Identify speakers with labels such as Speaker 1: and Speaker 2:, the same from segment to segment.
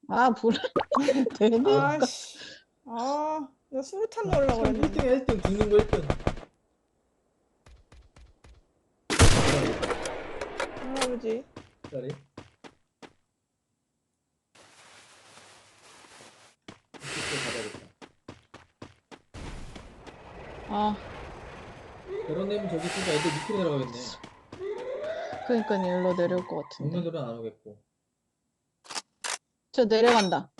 Speaker 1: 아, 불을 되니까.
Speaker 2: 아씨. 아, 나 수류탄 넣으려고 그랬는데.
Speaker 3: 1등이야 1등 죽는 거 1등.
Speaker 2: 할아버지.
Speaker 3: 자리.
Speaker 1: 아,
Speaker 3: 결혼되면 저기 있으니까 애들 밑으로 내려가겠네.
Speaker 1: 그러니까 일로 내려올 것 같은데.
Speaker 3: 정면으로는 안 오겠고.
Speaker 1: 저 내려간다.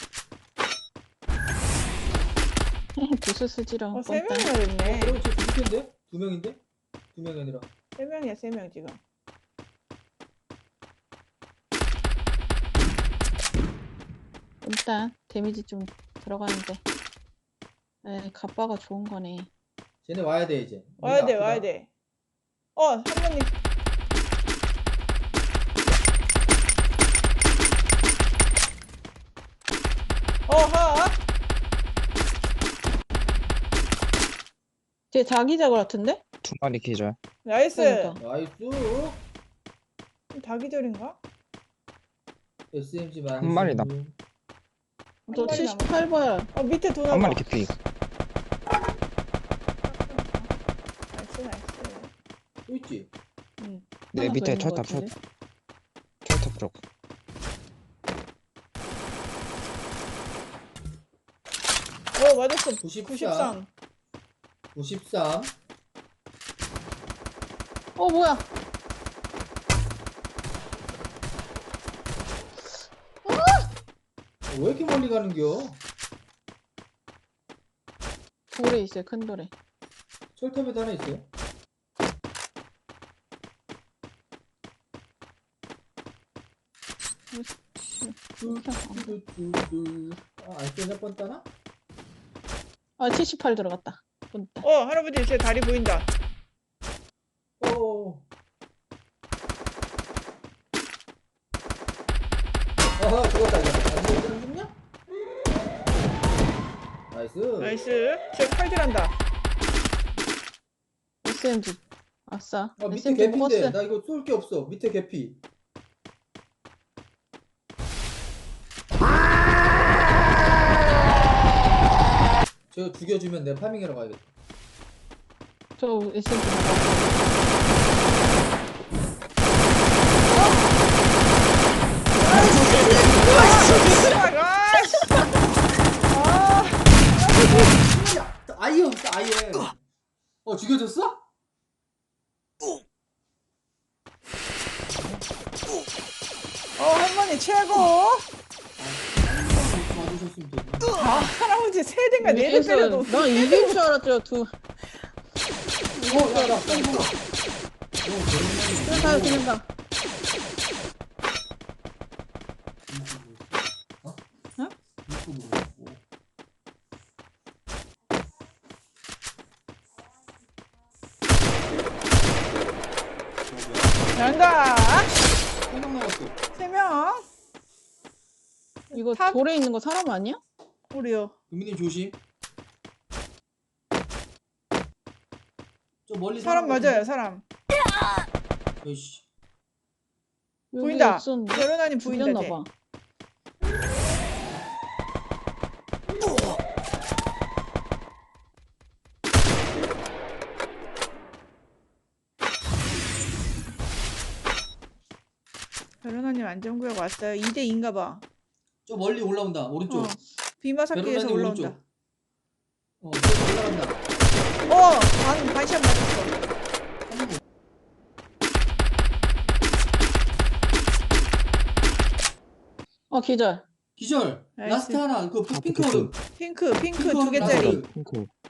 Speaker 1: 부스 쓰지랑
Speaker 2: 세
Speaker 1: 뻔딱.
Speaker 2: 명이나 됐네.
Speaker 3: 그럼 저 죽을 텐데? 2명인데? 2명이 아니라.
Speaker 2: 3명이야, 3명 지금.
Speaker 1: 일단 데미지 좀 들어가는데. 에, 갑바가 좋은 거네.
Speaker 3: 쟤네 와야 돼 이제.
Speaker 2: 와야 돼,
Speaker 3: 아프다.
Speaker 2: 와야 돼. 할머니. 하.
Speaker 1: 쟤 자기자고 같은데?
Speaker 4: 2마리 기절.
Speaker 2: 나이스.
Speaker 1: 그러니까.
Speaker 3: 나이스.
Speaker 2: 다 기절인가?
Speaker 3: SMG 많이.
Speaker 4: 한 마리다.
Speaker 1: 저
Speaker 2: 마리
Speaker 1: 78발.
Speaker 2: 밑에 도나봐.
Speaker 4: 한 마리 개피.
Speaker 2: 나이스.
Speaker 3: 또 있지?
Speaker 2: 응.
Speaker 4: 내
Speaker 1: 하나 더
Speaker 4: 밑에
Speaker 1: 있는 것
Speaker 4: 철탑
Speaker 1: 같은데?
Speaker 4: 철탑 쪽.
Speaker 2: 맞았어.
Speaker 3: 94. 93.
Speaker 1: 뭐야?
Speaker 3: 왜 이렇게 멀리 가는겨?
Speaker 1: 돌에 있어요, 큰 돌에.
Speaker 3: 철탑에도 하나 있어요? 안 쏘냐 뻔따나?
Speaker 1: 아, 78 들어갔다. 뻔딱.
Speaker 2: 할아버지 제 다리 보인다.
Speaker 3: 어. 아하 죽었다 이거. 안 죽냐? 나이스.
Speaker 2: 나이스. 제 칼질한다.
Speaker 1: SMG. 아싸.
Speaker 3: 밑에
Speaker 1: SMG
Speaker 3: 개피인데
Speaker 1: 먹었어.
Speaker 3: 나 이거 쏠 게 없어. 밑에 개피. 저 죽여주면 내가 파밍하러 가야겠다.
Speaker 1: 저 SMG.
Speaker 3: 아예 없어 아예. 죽여줬어?
Speaker 2: 할머니 최고.
Speaker 3: 맞으셨으면 되지.
Speaker 2: 할아버지 3대인가 4대 때려도.
Speaker 1: 나 이길 줄 알았죠, 두.
Speaker 3: 야나 쏜다.
Speaker 1: 그냥 가요, 그냥 가.
Speaker 2: 어? 난가.
Speaker 3: 3명 남았어.
Speaker 2: 3명.
Speaker 1: 이거
Speaker 2: 탑.
Speaker 1: 돌에 있는 거 사람 아니야?
Speaker 2: 우리요.
Speaker 3: 유민님 조심. 저 멀리
Speaker 2: 사람 맞아요, 사람.
Speaker 3: 에이씨.
Speaker 1: 여기
Speaker 2: 보인다.
Speaker 1: 없었는데.
Speaker 2: 결혼하니 보인다. 쟤.
Speaker 1: 죽였나봐.
Speaker 2: 결혼하님 안전구역 왔어요. 2대2인가 봐.
Speaker 3: 저 멀리 올라온다. 오른쪽.
Speaker 2: 비마사키에서
Speaker 3: 베로나님
Speaker 2: 올라온다.
Speaker 3: 오른쪽. 저기 올라간다.
Speaker 2: 반샷 맞았어.
Speaker 1: 기절.
Speaker 3: 기절.
Speaker 2: 나이스.
Speaker 3: 라스트 하나. 그
Speaker 4: 아,
Speaker 3: 핑크.
Speaker 4: 핑크.
Speaker 2: 핑크
Speaker 3: 핑크
Speaker 2: 2개짜리.
Speaker 3: 라스트.
Speaker 4: 핑크.